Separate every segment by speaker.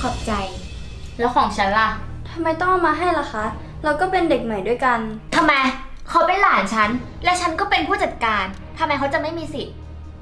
Speaker 1: อบใจ แล้วของฉันล่ะ
Speaker 2: ทำไมต้องเอามาให้ล่ะคะ เราก็เป็นเด็กใหม่ด้วยกัน
Speaker 1: ทำไมเขาเป็นหลานฉัน และฉันก็เป็นผู้จัดการทำไมเขาจะไม่มีสิทธิ์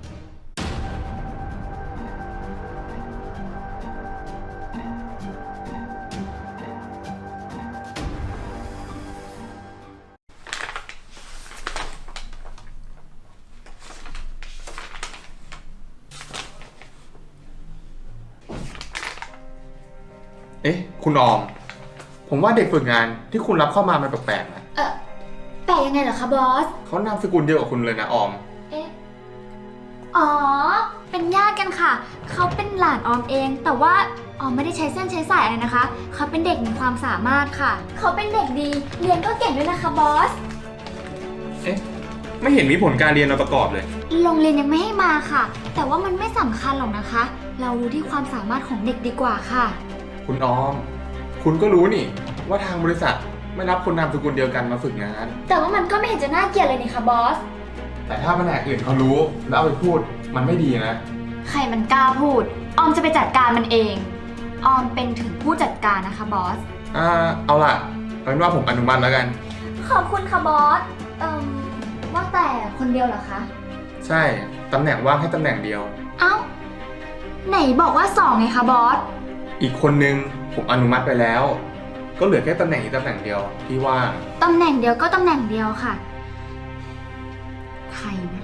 Speaker 3: เอ๊ะคุณออมผมว่าเด็กฝึกงานที่คุณรับเข้ามามันแปลกๆนะ
Speaker 1: แปลยังไงเหรอคะบอส
Speaker 3: เขานามสกุลเดียวกับคุณเลยนะออม
Speaker 1: เอ๊ะอ๋อเป็นญาติกันค่ะ เขาเป็นหลานออมเอง แต่ว่าออมไม่ได้ใช้เส้นใช้สายอะไรนะคะ เขาเป็นเด็กมีความสามารถค่ะ เขาเป็นเด็กดี เรียนก็เก่งด้วยนะคะบอส
Speaker 3: เอ๊ะไม่เห็นมีผลการเรียนมาประกอบเลย
Speaker 1: โรงเรียนยังไม่ให้มาค่ะ แต่ว่ามันไม่สำคัญหรอกนะคะ เราดูที่ความสามารถของเด็กดีกว่าค่ะ
Speaker 3: คุณออม คุณก็รู้นี่ว่าทางบริษัทไม่รับคนนามสกุลเดียวกันมาฝึกงาน
Speaker 1: แต่ว่ามันก็ไม่เห็นจะน่าเกลียดเลยนี่ค่ะบอส
Speaker 3: แต่ถ้าแผนกอื่นเขารู้แล้วเอาไปพูดมันไม่ดีนะ
Speaker 1: ใครมันกล้าพูด ออมจะไปจัดการมันเอง ออมเป็นถึงผู้จัดการนะคะบอส
Speaker 3: เอาล่ะเอาเป็นว่าผมอนุมัติแล้วกัน
Speaker 1: ขอบคุณค่ะบอส ว่าแต่คนเดียวเหรอคะ
Speaker 3: ใช่ตำแหน่งว่างให้ตำแหน่งเดียว
Speaker 1: เอ้า ไหนบอกว่า2ไงคะบอส
Speaker 3: อีกคนนึงผมอนุมัติไปแล้ว ก็เหลือแค่ตำแหน่งอีกตำแหน่งเดียวที่ว่าง
Speaker 1: ตำแหน่งเดียวก็ตำแหน่งเดียวค่ะ ใครนะ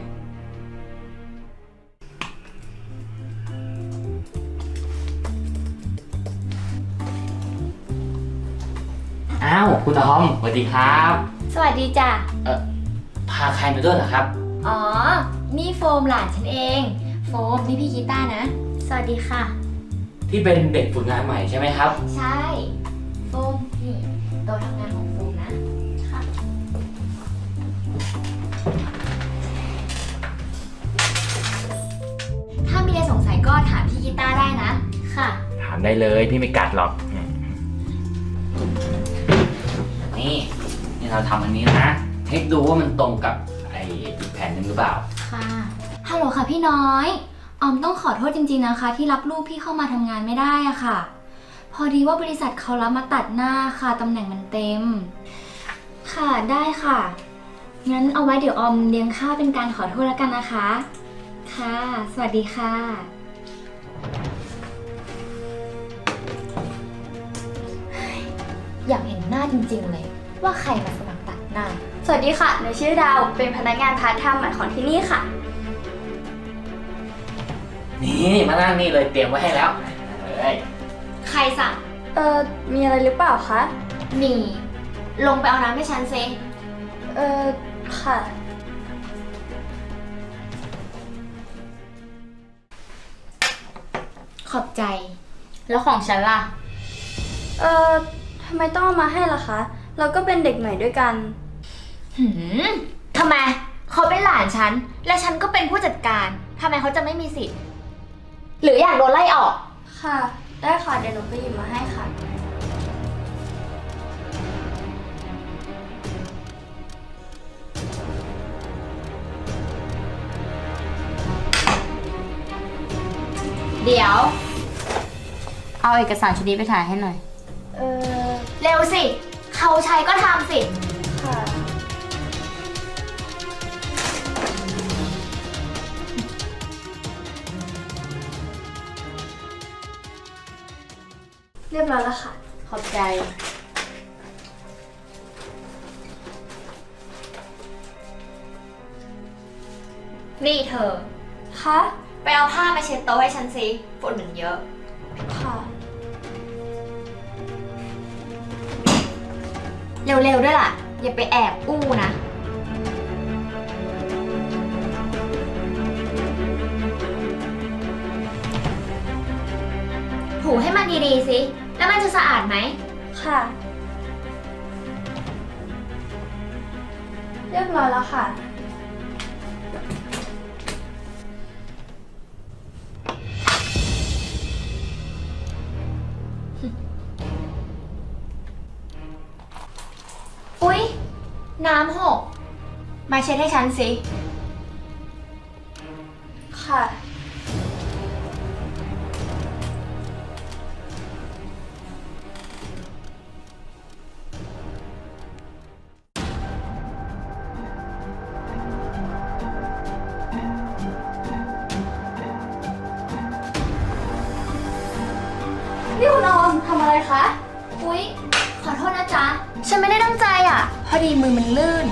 Speaker 4: อ้าวคุณออมสวัสดีครับ
Speaker 1: สวัสดีจ้ะ
Speaker 4: พาใครมาด้วยเหรอครับ
Speaker 1: อ๋อ นี่โฟมหลานฉันเอง โฟมนี่พี่กีต้านะ สวัสดีค่ะ
Speaker 4: ที่เป็นเด็กฝึกงานใหม่ใช่ไหมครับ
Speaker 1: ใช่ โฟมนี่โต๊ะทำงานของโฟมนะ ค่ะ ถ้ามีอะไรสงสัยก็ถามพี่กีต้าได้นะ ค่ะ
Speaker 4: ถามได้เลยพี่ไม่กัดหรอกนี่เราทำอันนี้นะเช็คดูว่ามันตรงกับไอ้อีกแผ่นหนึ่งหรือเปล่า
Speaker 1: ค่ะ ฮัลโหลค่ะพี่น้อย ออมต้องขอโทษจริงๆนะคะ ที่รับลูกพี่เข้ามาทำงานไม่ได้อะค่ะ พอดีว่าบริษัทเขารับมาตัดหน้าค่ะตำแหน่งมันเต็ม ค่ะได้ค่ะ งั้นเอาไว้เดี๋ยวออมเลี้ยงข้าวเป็นการขอโทษแล้วกันนะคะ ค่ะ สวัสดีค่ะ อยากเห็นหน้าจริงๆเลย ว่าใครมาสมัครตัดหน้า
Speaker 2: สวัสดีค่ะหนูชื่อดาว เป็นพนักงานพาร์ทไทม์ใหม่ของที่นี่ค่ะ
Speaker 4: นี่มานั่งนี่เลยเตรียมไว้ให้แล้วเลย
Speaker 1: ใครสั่ง
Speaker 2: มีอะไรหรือเปล่าคะ
Speaker 1: มี ลงไปเอาน้ำให้ฉันซิ
Speaker 2: ค่ะ
Speaker 1: ขอบใจ แล้วของฉันล่ะ
Speaker 2: ทำไมต้องเอามาให้ล่ะคะ เราก็เป็นเด็กใหม่ด้วยกัน
Speaker 1: ทำไม เขาเป็นหลานฉัน และฉันก็เป็นผู้จัดการทำไมเขาจะไม่มีสิทธิ์ หรืออยากโดนไล่ออก
Speaker 2: ค่ะ ได้ค่ะ เดี๋ยวหนูไปหยิบมาให้ค่ะ
Speaker 1: เดี๋ยว เอาเอกสารชุดนี้ไปถ่ายให้หน่อย เร็วสิ เขาใช้ก็ทำสิ
Speaker 2: ค่ะ เรียบร้อยแล้วค่ะ
Speaker 1: ขอบใจ นี่เธอ
Speaker 2: คะ
Speaker 1: ไปเอาผ้ามาเช็ดโต๊ะให้ฉันสิฝุ่นมันเยอะ
Speaker 2: ค่ะ
Speaker 1: เร็วๆด้วยล่ะ อย่าไปแอบอู้นะ ถูให้มันดีๆสิ แล้วมันจะสะอาดไหม
Speaker 2: ค่ะ เรียบร้อยแล้วค่ะ
Speaker 1: อุ๊ย น้ำหก มาเช็ดให้ฉันสิ
Speaker 2: ค่ะนี่คุณออมทำอะไรคะ
Speaker 1: อุ๊ย ขอโทษนะจ๊ะ ฉันไม่ได้ตั้งใจอ่ะ พอดีมือมันลื่น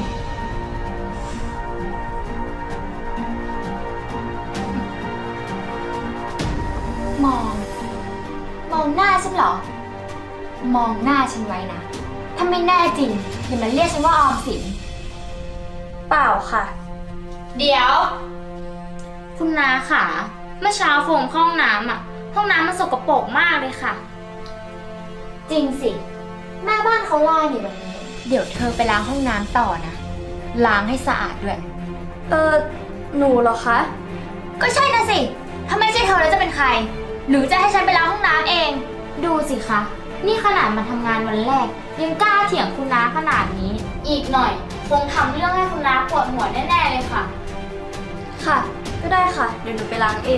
Speaker 1: มอง มองหน้าฉันเหรอ มองหน้าฉันไว้นะ ถ้าไม่แน่จริงอย่ามาเรียกฉันว่าออมสิน
Speaker 2: เปล่าค่ะ
Speaker 5: เดี๋ยว คุณนาค่ะ เมื่อเช้าโฟมเข้าห้องน้ำอ่ะ ห้องน้ำมันสกปรกมากเลยค่ะ
Speaker 1: จริงสิ แม่บ้านเขาล่านี่วันนี้ เดี๋ยวเธอไปล้างห้องน้ำต่อนะ ล้างให้สะอาดด้วย
Speaker 2: หนูเหรอคะ
Speaker 1: ก็ใช่นะสิ ถ้าไม่ใช่เธอแล้วจะเป็นใคร หรือจะให้ฉันไปล้างห้องน้ำเอง
Speaker 5: ดูสิคะ นี่ขนาดมาทำงานวันแรก ยังกล้าเถียงคุณน้าขนาดนี้ อีกหน่อย คงทำเรื่องให้คุณน้าปวดหัวแน่ๆเลยค่ะ
Speaker 2: ค่ะ ก็ได้ค่ะ เดี๋ยวหนูไปล้างเอง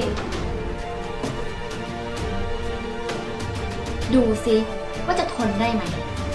Speaker 1: ดูสิว่าจะทนได้ไหม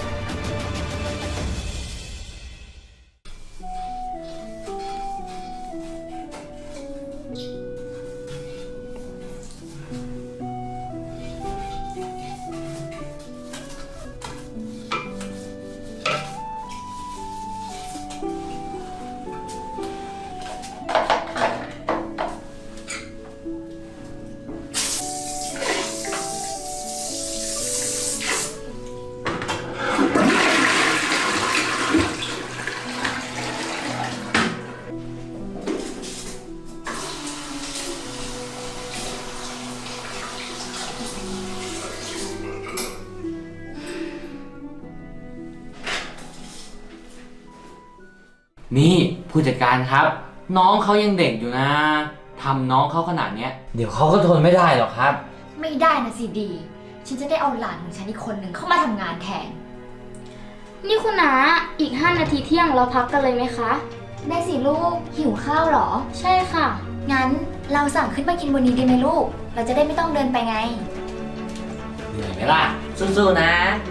Speaker 4: นี่ผู้จัดการครับ น้องเขายังเด็กอยู่นะทำน้องเขาขนาดเนี้ยเดี๋ยวเขาก็ทนไม่ได้หรอกครับ
Speaker 1: ไม่ได้นะสิดี ฉันจะได้เอาหลานของฉันอีกคนหนึ่งเข้ามาทำงานแทน
Speaker 5: นี่คุณน้าอีก 5 นาทีเที่ยงเราพักกันเลยไหมคะ
Speaker 1: ได้สิลูก หิวข้าวเหรอ
Speaker 5: ใช่ค่ะ
Speaker 1: งั้นเราสั่งขึ้นมากินบนนี้ดีไหมลูก เราจะได้ไม่ต้องเดินไปไง
Speaker 4: เหนื่อยไหมล่ะ สู้ๆนะ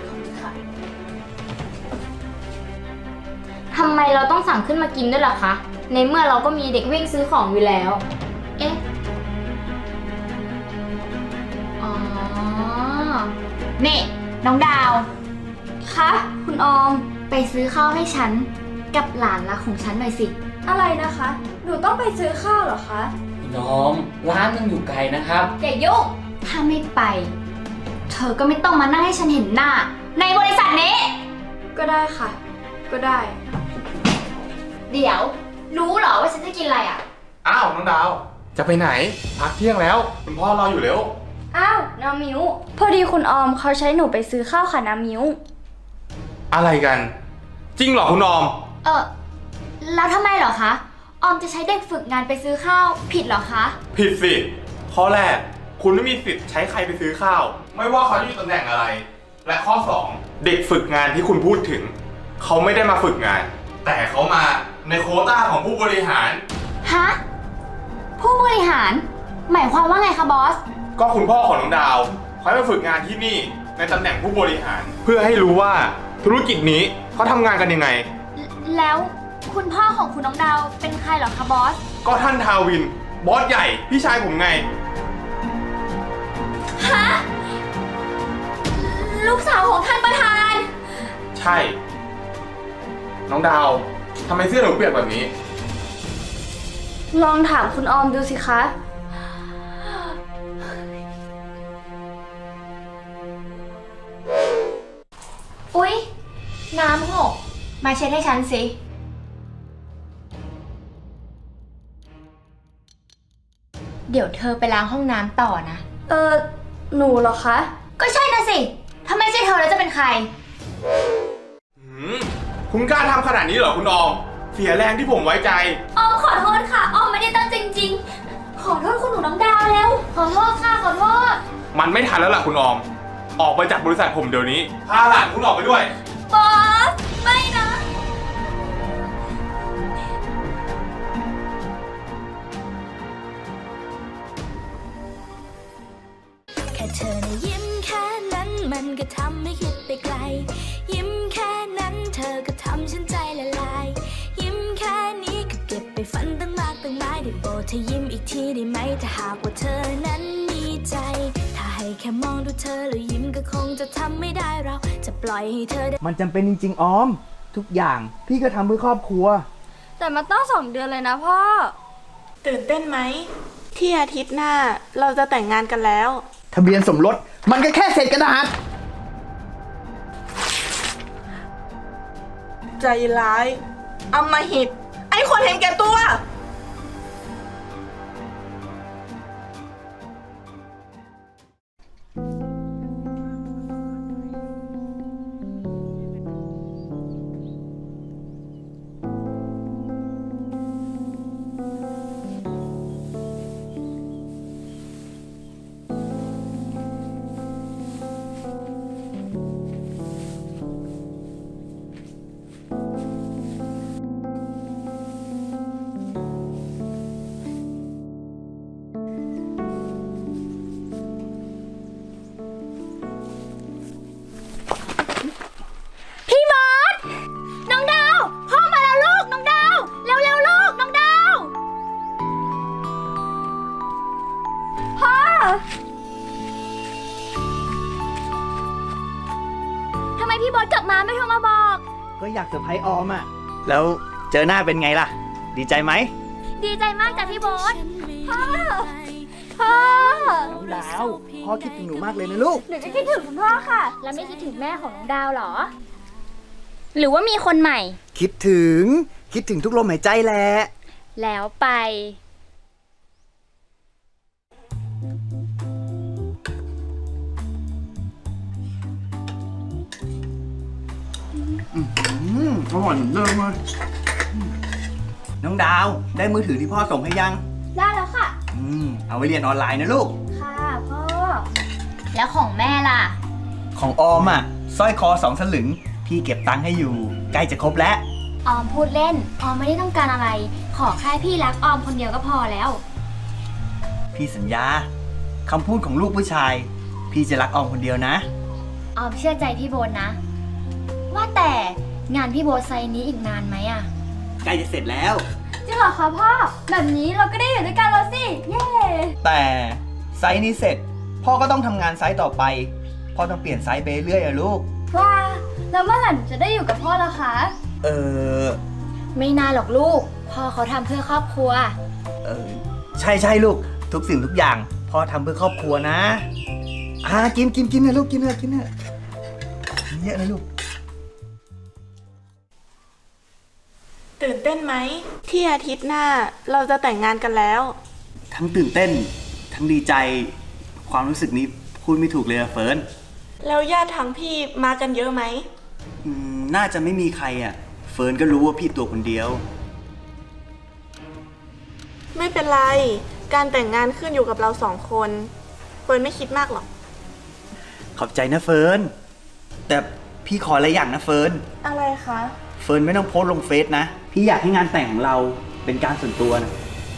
Speaker 5: ทำไมเราต้องสั่งขึ้นมากินด้วยล่ะคะ ในเมื่อเราก็มีเด็กวิ่งซื้อของอยู่แล้ว เอ๊ะ
Speaker 1: อ๋อ นี่ น้องดาว
Speaker 2: คะ คุณออม
Speaker 1: ไปซื้อข้าวให้ฉัน กับหลานรักของฉันหน่อยสิ
Speaker 2: อะไรนะคะ หนูต้องไปซื้อข้าวเหรอคะ
Speaker 4: คุณน้องร้านมันอยู่ไกลนะครับ
Speaker 1: อย่ายุ่ง ถ้าไม่ไป เธอก็ไม่ต้องมานั่งให้ฉันเห็นหน้า ในบริษัทนี้
Speaker 2: ก็ได้ค่ะ ก็ได้
Speaker 1: เดี๋ยว รู้เหรอว่าฉันจะกินอะไรอ่ะ
Speaker 3: อ้าวน้องดาว จะไปไหน พักเที่ยงแล้ว คุณพ่อรออยู่แล้ว
Speaker 2: อ้าวน้ามิวพอดีคุณออมเขาใช้หนูไปซื้อข้าวค่ะน้ามิว
Speaker 3: อะไรกัน จริงเหรอคุณออม
Speaker 1: แล้วทำไมเหรอคะ ออมจะใช้เด็กฝึกงานไปซื้อข้าวผิดเหรอคะ
Speaker 3: ผิดสิ ข้อแรก คุณไม่มีสิทธิ์ใช้ใครไปซื้อข้าว ไม่ว่าเขาจะอยู่ตำแหน่งอะไร และข้อ 2 เด็กฝึกงานที่คุณพูดถึง เขาไม่ได้มาฝึกงาน แต่เขามาในโควต้าของผู้บริหาร
Speaker 1: ฮะ ผู้บริหาร หมายความว่าไงคะบอส
Speaker 3: ก็คุณพ่อของน้องดาวเขาให้มาฝึกงานที่นี่ในตำแหน่งผู้บริหาร เพื่อให้รู้ว่าธุรกิจนี้เขาทำงานกันยังไง
Speaker 1: แล้วคุณพ่อของคุณน้องดาวเป็นใครเหรอคะบอส
Speaker 3: ก็ท่านทาวิน บอสใหญ่ พี่ชายผมไง
Speaker 1: ฮะ ลูกสาวของท่านประธาน
Speaker 3: ใช่ น้องดาวทำไมเสื้อหนูเปียกแบบนี้
Speaker 2: ลองถามคุณออมดูสิคะ
Speaker 1: อุ๊ย น้ำหก มาเช็ดให้ฉันสิ เดี๋ยวเธอไปล้างห้องน้ำต่อนะ
Speaker 2: หนูเหรอคะ
Speaker 1: ก็ใช่นะสิ ถ้าไม่ใช่เธอแล้วจะเป็นใคร
Speaker 3: คุณกล้าทำขนาดนี้เหรอคุณออม เสียแรงที่ผมไว้ใจ
Speaker 1: ออมขอโทษค่ะ ออมไม่ได้ตั้งใจจริงๆ ขอโทษคุณหนูน้องดาวแล้ว ขอโทษค่ะ ขอโทษ
Speaker 3: มันไม่ทันแล้วล่ะคุณออม ออกไปจากบริษัทผมเดี๋ยวนี้ พาหลานคุณออกไปด้วย
Speaker 1: บอส ไม่นะ
Speaker 6: แค่เธอนะยิ้มแค่นั้นมันก็ทำให้คิดไปไกล ยิ้มแค่นั้นเธอก็ทำฉันใจละลาย ยิ้มแค่นี้ก็เก็บไปฝันตั้งมากตั้งหลายได้โปรดเธอยิ้มอีกทีได้ไหมถ้าหากว่าเธอนั้นมีใจ ถ้าให้แค่มองดูเธอแล้วยิ้มก็คงจะทำไม่ได้เราจะปล่อยให้เธอได้
Speaker 7: มันจำเป็นจริงๆออม ทุกอย่างพี่ก็ทำเพื่อครอบครัว
Speaker 2: แต่มันต้อง2 เดือนเลยนะพ่อ
Speaker 8: ตื่นเต้นไหมที่อาทิตย์หน้าเราจะแต่งงานกันแล้ว
Speaker 7: ทะเบียนสมรสมันก็แค่เศษกระดาษ
Speaker 8: ใจร้ายอำมหิต ไอ้คนเห็นแก่ตัว
Speaker 1: พี่มดน้องดาว พ่อมาแล้วลูก น้องดาว เร็วๆลูก น้องดาว
Speaker 2: พ่อ
Speaker 1: ทำไมพี่บอสกลับมาไม่โทรมาบอก
Speaker 7: ก็อยากเซอร์ไพรส์ออมอ่ะ แล้วเจอหน้าเป็นไงล่ะ ดีใจไหม
Speaker 1: ดีใจมากจ้ะพี่บอส
Speaker 2: พ่อ
Speaker 7: น้องดาว พ่อคิดถึงหนูมากเลยนะลูก
Speaker 2: หนูจะคิดถึงคุณพ่อค่ะ
Speaker 1: แล้วไม่คิดถึงแม่ของน้องดาวเหรอ หรือว่ามีคนใหม่
Speaker 7: คิดถึงทุกลมหายใจแหละ
Speaker 1: แล้วไป
Speaker 7: อร่อยเหมือนเดิมเลยน้องดาว ได้มือถือที่พ่อส่งให้ยัง
Speaker 2: ได้แล้วค่ะ
Speaker 7: เอาไว้เรียนออนไลน์นะลูก
Speaker 2: ค่ะพ่อ
Speaker 1: แล้วของแม่ล่ะ
Speaker 7: ของออมอ่ะสร้อยคอ2 สลึง พี่เก็บตังค์ให้อยู่ ใกล้จะครบแล้ว
Speaker 1: ออมพูดเล่น ออมไม่ได้ต้องการอะไร ขอแค่พี่รักออมคนเดียวก็พอแล้ว
Speaker 7: พี่สัญญาคำพูดของลูกผู้ชาย พี่จะรักออมคนเดียวนะ
Speaker 1: ออมเชื่อใจพี่โบนนะ ว่าแต่งานพี่โบทไซต์นี้อีกนานไหมอะ
Speaker 7: ใกล้จะเสร็จแล้ว
Speaker 2: จริงเหรอคะพ่อ แบบนี้เราก็ได้อยู่ด้วยกันแล้วสิ เย้
Speaker 7: แต่ไซส์นี้เสร็จ พ่อก็ต้องทำงานไซส์ต่อไป พ่อต้องเปลี่ยนไซส์ไปเรื่อยอะลูก
Speaker 2: ว้า แล้วเมื่อไหร่หนูจะได้อยู่กับพ่อล่ะคะ
Speaker 1: ไม่นานหรอกลูก พ่อเขาทำเพื่อครอบครัว
Speaker 7: ใช่ลูก ทุกสิ่งทุกอย่าง พ่อทำเพื่อครอบครัวนะกินนะลูกกินเถอะกินเยอะนะลูก
Speaker 8: ตื่นเต้นไหมที่อาทิตย์หน้าเราจะแต่งงานกันแล้ว
Speaker 7: ทั้งตื่นเต้น ทั้งดีใจ ความรู้สึกนี้พูดไม่ถูกเลยอะเฟิร์น
Speaker 8: แล้วญาติทางพี่มากันเยอะไหม
Speaker 7: น่าจะไม่มีใครอะเฟิร์นก็รู้ว่าพี่ตัวคนเดียว
Speaker 8: ไม่เป็นไร การแต่งงานขึ้นอยู่กับเรา2 คนเฟิร์นไม่คิดมากหรอก
Speaker 7: ขอบใจนะเฟิร์น แต่พี่ขออะไรอย่างนะเฟิร์น
Speaker 8: อะไรคะ
Speaker 7: เฟิร์นไม่ต้องโพสต์ลงเฟซนะ พี่อยากให้งานแต่งของเราเป็นการส่วนตัวนะ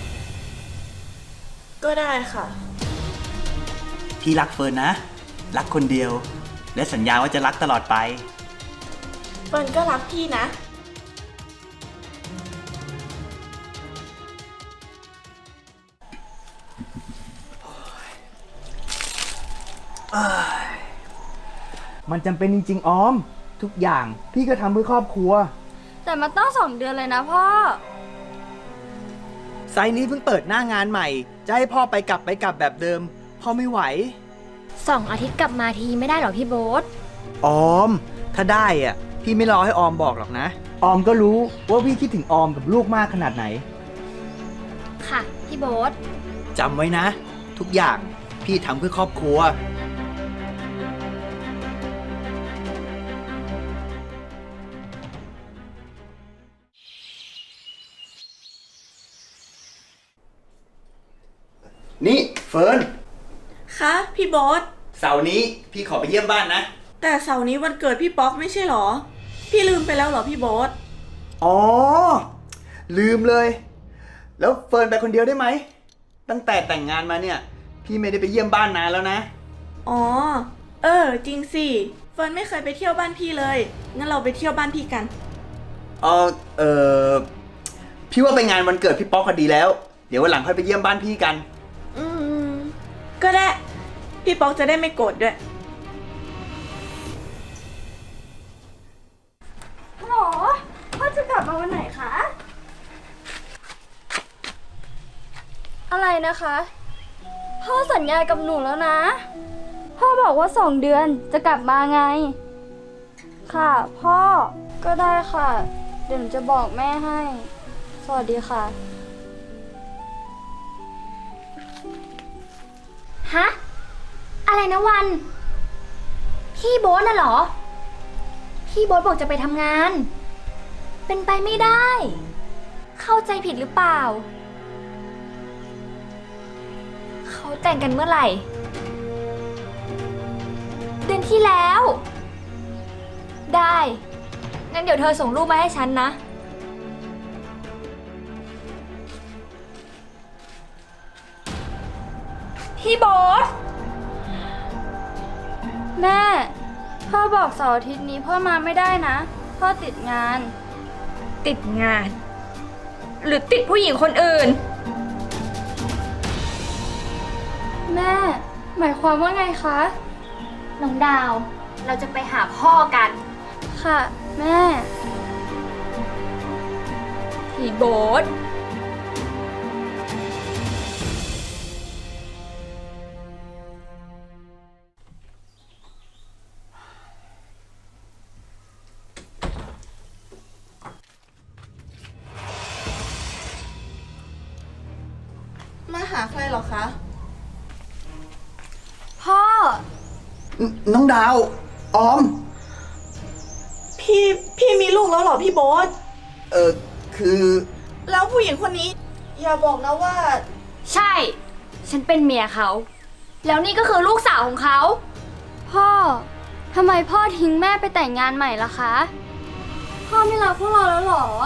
Speaker 8: ก็ได้ค่ะ
Speaker 7: พี่รักเฟิร์นนะ รักคนเดียว และสัญญาว่าจะรักตลอดไป
Speaker 8: เฟิร์นก็รักพี่นะ
Speaker 7: มันจำเป็นจริงๆออม ทุกอย่างพี่ก็ทำเพื่อครอบครัว
Speaker 2: แต่มันต้อง2 เดือนเลยนะพ่อ
Speaker 7: ไซต์นี้เพิ่งเปิดหน้างานใหม่ จะให้พ่อไปกลับแบบเดิม พ่อไม่ไหว
Speaker 1: 2 อาทิตย์กลับมาทีไม่ได้หรอพี่โบ๊ท
Speaker 7: ออม ถ้าได้อ่ะ พี่ไม่รอให้ออมบอกหรอกนะ ออมก็รู้ว่าพี่คิดถึงออมกับลูกมากขนาดไหน
Speaker 1: ค่ะ พี่โบ๊ท
Speaker 7: จำไว้นะ ทุกอย่างพี่ทำเพื่อครอบครัว นี่เฟิร์น
Speaker 8: คะพี่โบ๊ท
Speaker 7: เสาร์นี้พี่ขอไปเยี่ยมบ้านนะ
Speaker 8: แต่เสาร์นี้วันเกิดพี่ป๊อกไม่ใช่หรอ พี่ลืมไปแล้วเหรอพี่โบ๊ท
Speaker 7: อ๋อ ลืมเลย แล้วเฟิร์นไปคนเดียวได้ไหม ตั้งแต่แต่งงานมาเนี่ย พี่ไม่ได้ไปเยี่ยมบ้านนานแล้วนะ
Speaker 8: อ๋อ จริงสิ เฟิร์นไม่เคยไปเที่ยวบ้านพี่เลย งั้นเราไปเที่ยวบ้านพี่กัน
Speaker 7: พี่ว่าไปงานวันเกิดพี่ป๊อกก็ดีแล้ว เดี๋ยววันหลังค่อยไปเยี่ยมบ้านพี่กัน
Speaker 8: ก็ได้พี่ป๊อกจะได้ไม่โกรธด้วย
Speaker 2: ฮัลโหลพ่อจะกลับมาวันไหนคะ อะไรนะคะ พ่อสัญญากับหนูแล้วนะ พ่อบอกว่า2 เดือนจะกลับมาไง ค่ะ พ่อก็ได้ค่ะ เดี๋ยวหนูจะบอกแม่ให้ สวัสดีค่ะ
Speaker 1: ฮะ อะไรนะวัน พี่โบ๊ทน่ะเหรอ พี่โบ๊ทบอกจะไปทำงาน เป็นไปไม่ได้ เข้าใจผิดหรือเปล่า เขาแต่งกันเมื่อไหร่ เดือนที่แล้ว ได้ งั้นเดี๋ยวเธอส่งรูปมาให้ฉันนะ
Speaker 2: พี่โบ๊ทแม่ พ่อบอกเสาร์อาทิตย์นี้พ่อมาไม่ได้นะ พ่อติดงาน
Speaker 1: ติดงาน หรือติดผู้หญิงคนอื่น
Speaker 2: แม่ หมายความว่าไงคะ
Speaker 1: น้องดาว เราจะไปหาพ่อกัน
Speaker 2: ค่ะ แม่
Speaker 1: พี่โบ๊ท
Speaker 8: มาหาใครเหรอคะ
Speaker 2: พ่อ
Speaker 7: น้องดาว ออม
Speaker 8: พี่มีลูกแล้วเหรอพี่โบ๊ท
Speaker 7: คือ
Speaker 8: แล้วผู้หญิงคนนี้ อย่าบอกนะว่า
Speaker 1: ใช่ ฉันเป็นเมียเขา แล้วนี่ก็คือลูกสาวของเขา
Speaker 2: พ่อ ทำไมพ่อทิ้งแม่ไปแต่งงานใหม่ล่ะคะ พ่อไม่รักพวกเราแล้วเหรอ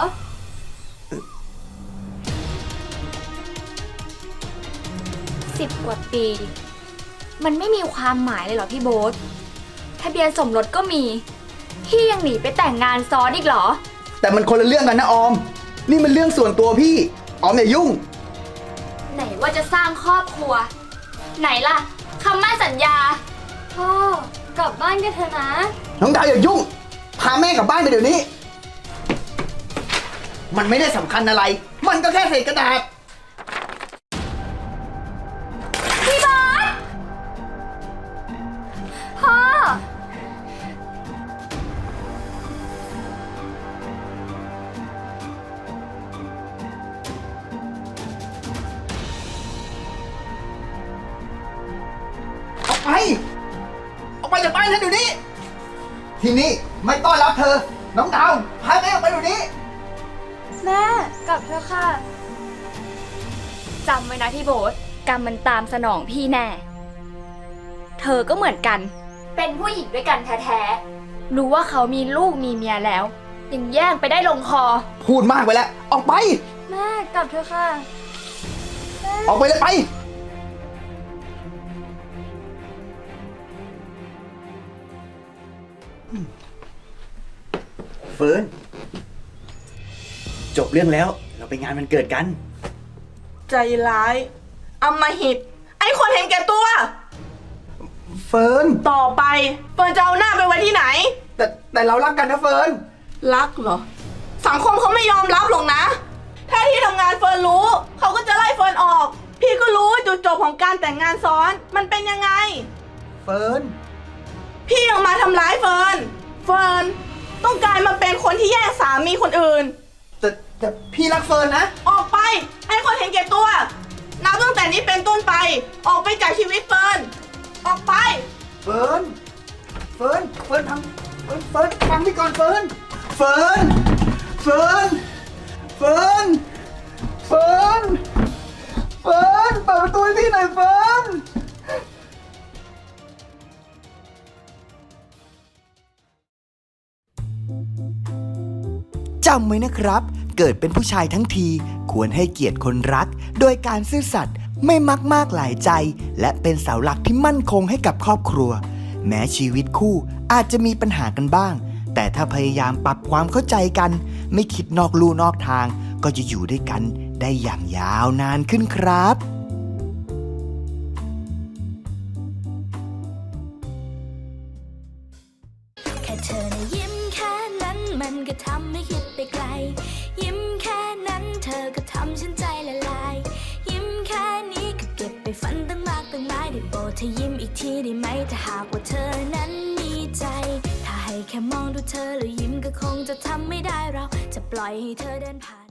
Speaker 1: 10 กว่าปี มันไม่มีความหมายเลยเหรอพี่โบ๊ท ทะเบียนสมรสก็มี พี่ยังหนีไปแต่งงานซ้อนอีกเหรอ
Speaker 7: แต่มันคนละเรื่องกันนะออม นี่มันเรื่องส่วนตัวพี่ ออมอย่ายุ่ง
Speaker 1: ไหนว่าจะสร้างครอบครัว ไหนล่ะคำมั่นสัญญา
Speaker 2: พ่อ กลับบ้านกันเถอะนะ
Speaker 7: น้องดาวอย่ายุ่ง พาแม่กลับบ้านไปเดี๋ยวนี้ มันไม่ได้สำคัญอะไร มันก็แค่เศษกระดาษ
Speaker 2: พ่อ
Speaker 7: ออกไป ออกไปจากบ้านฉันเดี๋ยวนี้ ที่นี่ไม่ต้อนรับเธอ น้องดาว พาแม่ออกไปเดี๋ยวนี้
Speaker 2: แม่ กลับเถอะค่ะ
Speaker 1: จำไว้นะพี่โบ๊ท กรรมมันตามสนองพี่แน่ เธอก็เหมือนกัน เป็นผู้หญิงด้วยกันแท้ๆ รู้ว่าเขามีลูกมีเมียแล้ว ยังแย่งไปได้ลงคอ
Speaker 7: พูดมากไปแล้ว ออกไป
Speaker 2: แม่ กลับเถอะค่ะ
Speaker 7: ออกไปเลยไป เฟิร์น จบเรื่องแล้ว เราไปงานมันเกิดกัน
Speaker 8: ใจร้ายอำมหิต ไอ้คนเห็นแก่ตัว
Speaker 7: เฟิร์น
Speaker 8: ต่อไปเฟิร์นจะเอาหน้าไปไว้ที่ไหน
Speaker 7: แต่เรารักกันนะเฟิร์น
Speaker 8: รักเหรอ สังคมเขาไม่ยอมรับหรอกนะ ถ้าที่ทำงานเฟิร์นรู้ เขาก็จะไล่เฟิร์นออก พี่ก็รู้ว่าจุดจบของการแต่งงานซ้อน มันเป็นยังไง
Speaker 7: เฟิร์น
Speaker 8: พี่ยังมาทำร้ายเฟิร์น เฟิร์นต้องกลายมาเป็นคนที่แย่งสามีคนอื่น
Speaker 7: แต่พี่รักเฟิร์นนะ
Speaker 8: ออกไปให้คนเห็นแก่ตัว นับตั้งแต่นี้เป็นต้นไป ออกไปจากชีวิตเฟิร์น ออกไป
Speaker 7: เฟิร์น เฟิร์น เฟิร์นทำเฟิร์นฟังพี่ก่อนเฟิร์น เฟิร์น เฟิร์น เฟิร์น เฟิร์น เฟิร์น เปิดประตูให้พี่หน่อยเฟิร์น จำไว้นะครับ เกิดเป็นผู้ชายทั้งที ควรให้เกียรติคนรัก โดยการซื่อสัตย์ไม่มักมากหลายใจ และเป็นเสาหลักที่มั่นคงให้กับครอบครัว แม้ชีวิตคู่อาจจะมีปัญหากันบ้าง แต่ถ้าพยายามปรับความเข้าใจกัน ไม่คิดนอกลู่นอกทาง ก็จะอยู่ด้วยกันได้อย่างยาวนานขึ้นครับ
Speaker 6: ค่เธอนะยิ้มแค่นั้นมันก็ทำให้คิดไปไกล ยิ้มแค่นั้นเธอก็ทำฉันใจละลาย ยิ้มแค่นี้ก็เก็บไปฝันตั้งมากตั้งหลายได้โปรดเธอยิ้มอีกทีได้ไหมถ้าหากว่าเธอนั้นมีใจ ถ้าให้แค่มองดูเธอแล้วยิ้มก็คงจะทำไม่ได้เราจะปล่อยให้เธอเดินผ่าน